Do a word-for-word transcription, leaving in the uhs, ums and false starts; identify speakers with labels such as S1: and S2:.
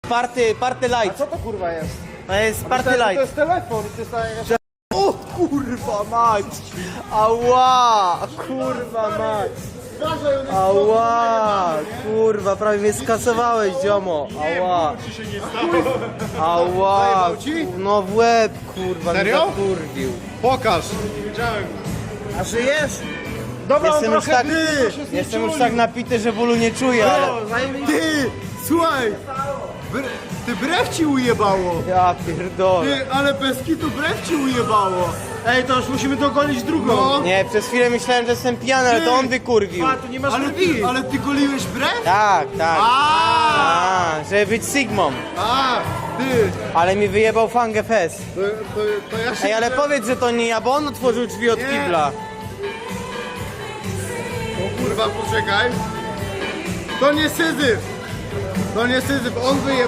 S1: party, party light.
S2: Co to kurwa jest?
S1: To jest party
S2: To
S1: light.
S2: jest telefon, to jest jakaś...
S1: O kurwa mać! Ała! Kurwa mać! Ała! Kurwa, prawie mnie skasowałeś, ziomo! Ała! Ała!
S2: Zajebał ci?
S1: No w łeb, kurwa,
S2: Serio?
S1: mnie zakurwił.
S2: Pokaż! Widziałem. A żyjesz? Dobra,
S1: Jestem
S2: on
S1: już
S2: trochę
S1: tak,
S2: blisko się
S1: jestem już
S2: znieczuli.
S1: tak napity, że bólu nie czuję, ale...
S2: Ty, słuchaj! Bre, ty brew ci ujebało!
S1: Ja pierdolę.
S2: Ty, ale bez kitu brew ci ujebało! Ej, to już musimy dogonić drugą! No.
S1: Nie, przez chwilę myślałem, że jestem pijany, ale to on wykurwił.
S2: A, tu nie masz ale, ty, ale ty goliłeś brew?
S1: Tak, tak.
S2: A,
S1: A, żeby być Sigmą.
S2: a, ty!
S1: Ale mi wyjebał Fangę Fest.
S2: To, to, to ja się...
S1: Ej, ale powiedz, że to nie ja, bo on otworzył drzwi od
S2: Nie.
S1: kibla.
S2: O kurwa, poczekaj! To nie Syzyf! To nie Syzyf, on wyje...